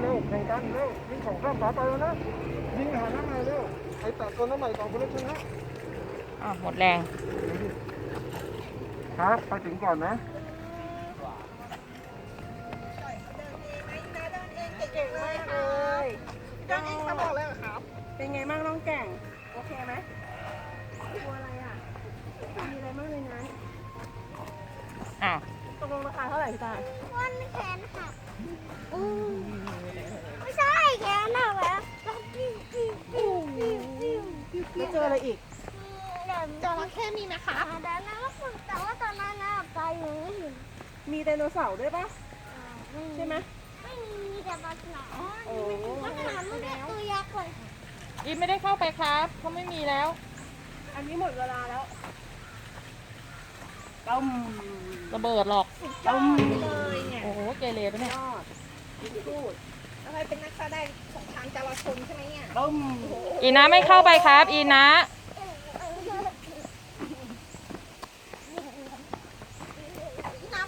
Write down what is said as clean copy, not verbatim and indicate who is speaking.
Speaker 1: เร็วแข่งกันเร็วยิงของข้ามฝาไปแล้วนะยิงหาหน้ามาเร็วไอ้แปดคนน้ำใหม่2 คนแล้วชนะ
Speaker 2: หมดแรง
Speaker 1: ครับไปถึงก่อนนะ
Speaker 3: เก่งมากเลยเดินเองเขาบอกเลยเหรอครับเป็นไงบ้างน้องแก่งโอเคไหมกลัวอะไรอ่ะมีอะไรบ้างในนั้น ตกลงราคาเท่าไหร่พี่ตา
Speaker 4: วันแขนหักไม่ใช่แขนหักแล้วแล้วปิ้วปิ้วปิ้วปิ้วปิ้ว
Speaker 3: แล้วเจออะไรอีก
Speaker 4: จระเข้มีไหมคะแต่นั้นก็ฝึกแต่ว่าตอนนั้นนะไปอยู่ไม่เห็น
Speaker 3: มีไดโนเสาร์ด้วยปะใช่ไหม
Speaker 4: ไม่มีแต่ปลาฉลาม
Speaker 3: โอ้
Speaker 4: ปลาฉลามมันเนี่ยตัวยักษ์เลย
Speaker 2: อีไม่ได้เข้าไปครับเขาไม่มีแล้ว
Speaker 3: อันนี้หมดเวลาแล้วต้ม
Speaker 2: ระเบิดหรอก
Speaker 3: ต้มเลยเนี่ย
Speaker 2: โอ้โหเกเรปะเนี่ย
Speaker 3: ยอดพูด
Speaker 4: อะไรเป็นนักแสดงสงครามจราชนใช่ไหมเนี่ย
Speaker 3: ต้ม
Speaker 2: อีนะไม่เข้าไปครับ อีนะ